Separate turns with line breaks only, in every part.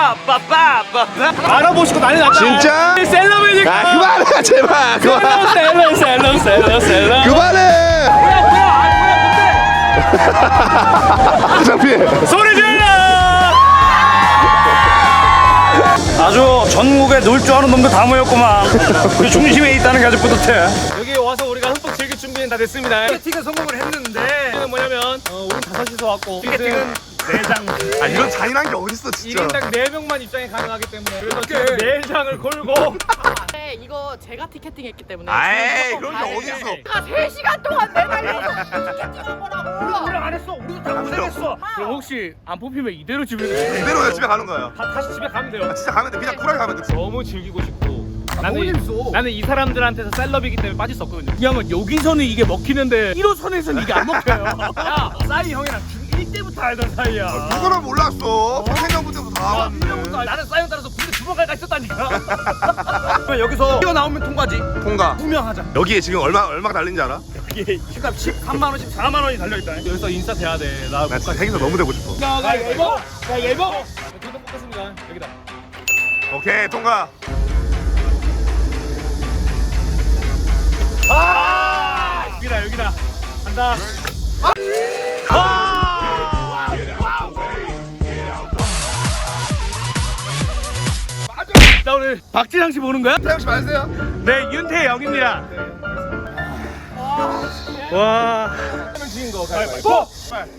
빠빠빠빠 알아보시고 난리 났다.
진짜?
셀럽이니까.
아 그만해 제발 그만.
셀럽.
그만해.
뭐야
장피.
소리 질러. 아주 전국에 놀 줄 아는 놈들 다 모였구만. 그 중심에 있다는 게 아주 뿌듯해. 여기 와서 우리가 흠뻑 즐길 준비는 다 됐습니다. 티켓팅은 성공을 했는데 이게 뭐냐면 우린 5시서 왔고 티켓팅은 4장.
아 이런 잔인한 게 어딨어 진짜.
1인당 4명만 입장이 가능하기 때문에 그래서 지금 4장을 걸고.
네, 이거 제가 티켓팅했기 때문에.
아이 그런 게 어딨어.
제가 3시간 동안 매달려서 티켓팅한 거라고.
우리 안 했어. 우리도 다 고생했어. 그럼 혹시 안 뽑히면 이대로 집에
이대로 집에 가는 거야.
다시 집에 가면 돼요.
아, 진짜 가면 돼. 그냥 쿨하게 가면 돼.
너무 즐기고 싶고 나는 이 사람들한테서 셀럽이기 때문에 빠질 수 없거든요. 이 형은 여기서는 이게 먹히는데 1호선에서는 이게 안 먹혀요. 야, 싸이 형이랑 중1 때부터 알던 사이야.
누구는 몰랐어. 평생년부터 다 왔는데.
나는 싸이 형 따라서 군대 2번 갈까 있었다니까. 여기서 뛰어나오면 통과지.
통과.
투명하자.
여기에 지금 얼마가 달린지 알아?
이게 집값 13만 원씩 4만 원이 달려있다. 여기서 인싸 돼야 돼. 나
나 진짜 행사 너무 되고 싶어.
야 예버. 돈도 뽑겠습니다. 여기다.
오케이 통과.
여기다 간다. 나 오늘 박진영 씨 보는 거야?
태영 씨 맞으세요?
네, 윤태영입니다. 와. 하면 지인 거 가위바위보.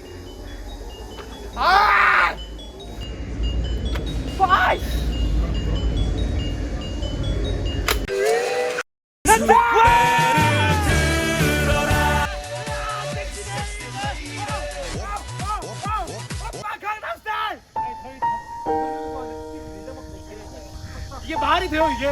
이게 말이 돼요 이게?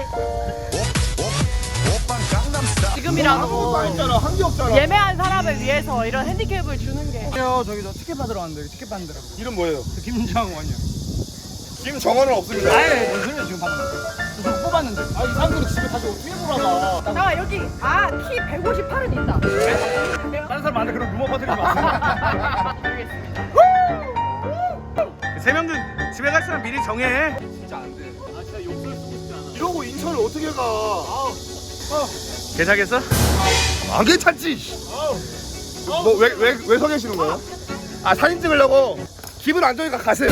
지금이라도
한게 없잖아.
예매한 사람을 위해서 이런 핸디캡을 주는 게.
저기 저 티켓 받으러 왔는데 티켓 받는다고.
이름 뭐예요?
김정원이요.
김정원은 없습니다.
아예 무슨 소리야 지금 봤는데. 저 뽑았는데. 아 이 사람들이 집에 가서 어떻게 보라가.
잠깐 여기 키 158은 있다.
다른 사람 많은데 그럼 루머 퍼뜨리지 마세요.
알겠습니다.
3명들 집에 갈 사람 미리 정해. 진짜 안 돼. 아 진짜 욕설 쓰고 싶지 않아.
이러고 인천을 어떻게 가?
괜찮겠어?
안 괜찮지. 뭐 왜 서 계시는 거예요? 아 사진 찍으려고. 기분 안 좋으니까 가세요.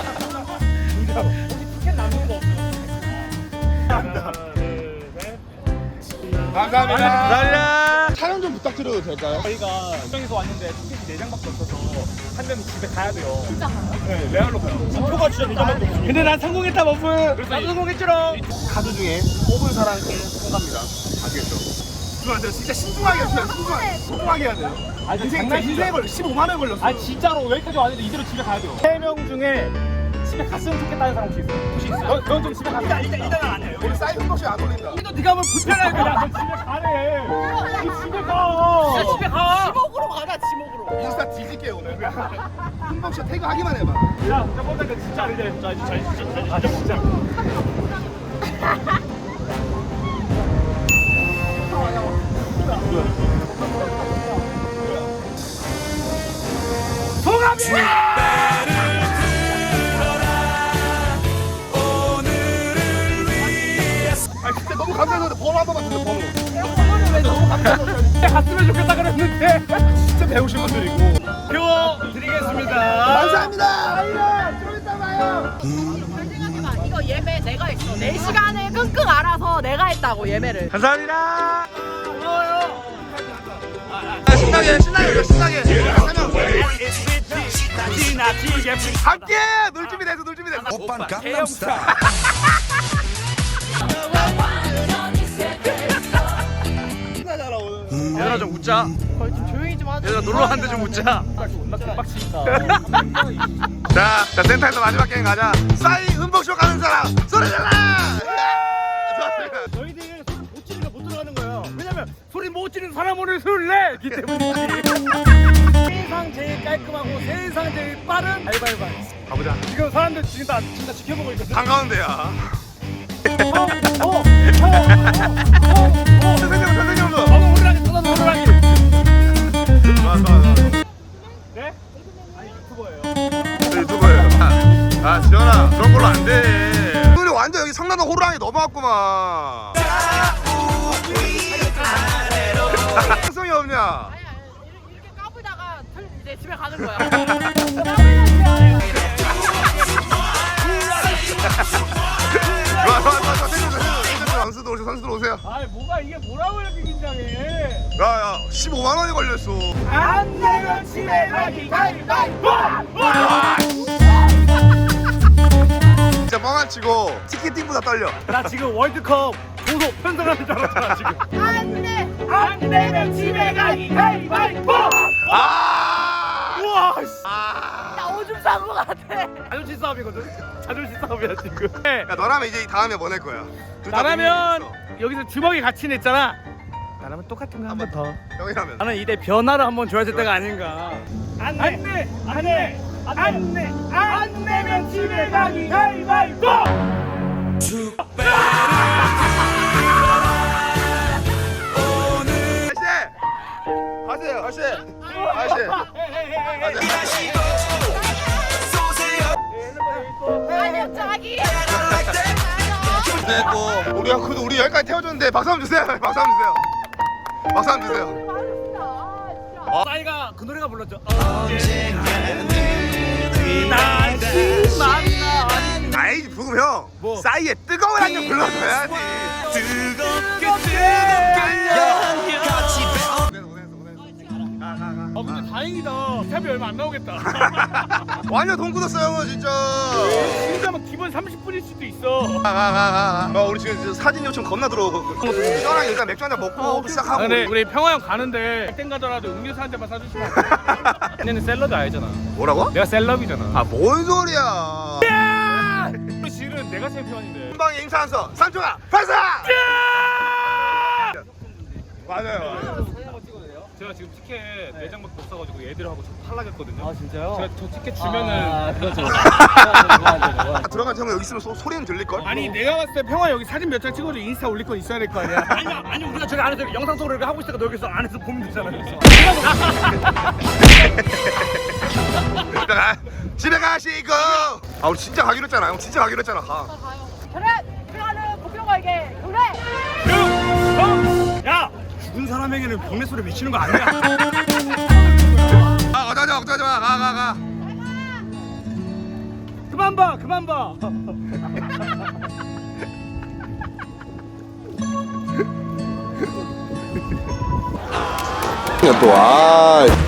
티켓 남는 거 없어. 하나, 둘, 셋.
감사합니다.
감사합니다.
촬영 좀 부탁드려도 될까요?
저희가 수정에서 왔는데 티켓이 4장밖에 없어서 한 명이 집에 가야 돼요.
진짜 가요?
네, 레알로 가요. 표가 진짜 4장밖에 없어. 근데 난 성공했다 버프. 나도 성공했지롱.
카드 중에 뽑은 사람께 통과입니다. 아시겠죠? 그거 진짜 신중하게 해야 돼요. 신중하게 해야 돼요.
아,
인생에 걸려 15만 원 걸렸어.
아 진짜로 여기까지 왔는데 이대로 집에 가야 돼요. 3명 중에 집에 갔으면 좋겠다는 사람 혹시 있어요? 혹시 있어요? 넌좀 집에 가자. 일단은 아니에요.
우리 사이드 혹시 안 올린다.
이거 네가 하면 불편해. 그냥 너 집에 가래. 너 집에 가. 야, 집에 가.
지목으로 가자 지목으로.
인스타 뒤질게요 오늘. 한번 씨 태그 하기만 해봐.
야, 진짜 뻔한데 진짜 아니래. 진짜 가자 진짜.
아 진짜 너무 감사해서 번호 한 번만 주세요. 번호.
번호를 왜 너무
갔으면 좋겠다 그랬는데 진짜 배우신 분들이고. 표 드리겠습니다.
감사합니다. 아이야 좀 이따 봐요.
생각하지 마. 이거 예매 내가 했어. 4시간을 끙끙 알아서 내가 했다고 예매를.
감사합니다.
신나게 함께 놀 준비 됐어.
오빤 강남스타일.
신나잖아 오늘.
얘들아 좀 웃자.
거의 좀 조용히 좀 하자.
얘들아 놀러 왔는데 좀 웃자. 존나 개빡치니까.
자 센터에서 마지막 게임 가자. 싸이 음복쇼 가는 사람 소리 질러. 좋았습니다.
너희들 소리 못 지르니까 못 들어가는 거예요. 왜냐면 소리 못 지르는 사람 오늘 술을 내기 때문이지. 세상 제일 깔끔하고 세상 제일 빠른 알바이바.
가보자.
지금 사람들 지금 다 진짜 지켜보고 있거든.
한가운데야. 선생님.
호랑이.
좋아.
네? 아니 유튜버예요.
유튜버예요. 아 지현아 그런 걸로 그러면 안 돼. 오늘 완전 여기 성남동 호랑이 넘어왔구만. 성이 없냐?
아니야 이렇게 까불다가 이제 집에 가는 거야.
선수들 오세요.
아이 뭐가 이게 뭐라고 이렇게 긴장해?
야야 15만 원이 걸렸어.
안 내면 집에 가기 가위바위보!
진짜 뻥안 치고 티켓팅보다 떨려.
나 지금 월드컵 보소 편성하는 줄 알았잖아 지금.
안돼.
안 내면 집에 가기 가위바위보!
아!
우와 씨.
나 오줌 싼 거 같아.
자존심 싸움이거든. 자존심 싸움이야 지금.
야 너라면 이제 다음에 뭐 낼 거야? 둘다
나라면
분명히
여기서 주먹이 같이 냈잖아. 나라면 똑같은 거 한 번 더.
있어. 형이라면.
나는 이때 변화를 한번 줘야 될 때가 아닌가. 안 내면 집에 가기 가위바위보!
하세요.
아니요 자기.
됐고 우리 그래도 우리 여기까지 태워줬는데 박수 한번 주세요. 박수 한번 주세요. 박수 한번 주세요.
싸이가 그 노래가 불렀죠. 다시 만나.
아이 부금 형.
뭐?
싸이의 뜨거운 한잔 불러줘야지.
근데 다행이다. 탑이 얼마 안 나오겠다.
완전 돈 굳었어 형은 진짜.
진짜 막 기본 30분일 수도 있어.
우리 지금 사진 요청 겁나 들어오고 시원하게 일단 맥주 한잔 먹고 시작하고.
근데 우리 평화형 가는데 땡 가더라도 음료수 한 잔만 사주시면 안 돼? 얘는 샐러드 알잖아.
뭐라고?
내가 셀럽이잖아.
아 뭔 소리야.
실은 내가 챔피언인데.
한방에 임산서 삼촌아 발사. 맞아요.
제가 지금 티켓 4장밖에 못 사가지고 애들하고 저 탈락했거든요.
아 진짜요?
제가 저 티켓 주면은
그렇죠.
들어간 형은 여기 있으면 소리는 들릴걸?
아니 내가 봤을 때 평화 여기 사진 몇 장 찍어도 인스타 올릴 건 있어야 될 거 아니야. 아니 우리가 저기 안에서 영상 속으로 하고 있으니까 너 여기서 안에서 보면 되잖아.
집에 가시고. 아 우리 진짜 가기로 했잖아. 형 진짜 가기로 했잖아. 가.
그래 그래가는 고병호에게 그래.
야 죽은 사람에게는 병내 소리 미치는 거 아니야?
어쩌지 마. 가.
그만 봐.
또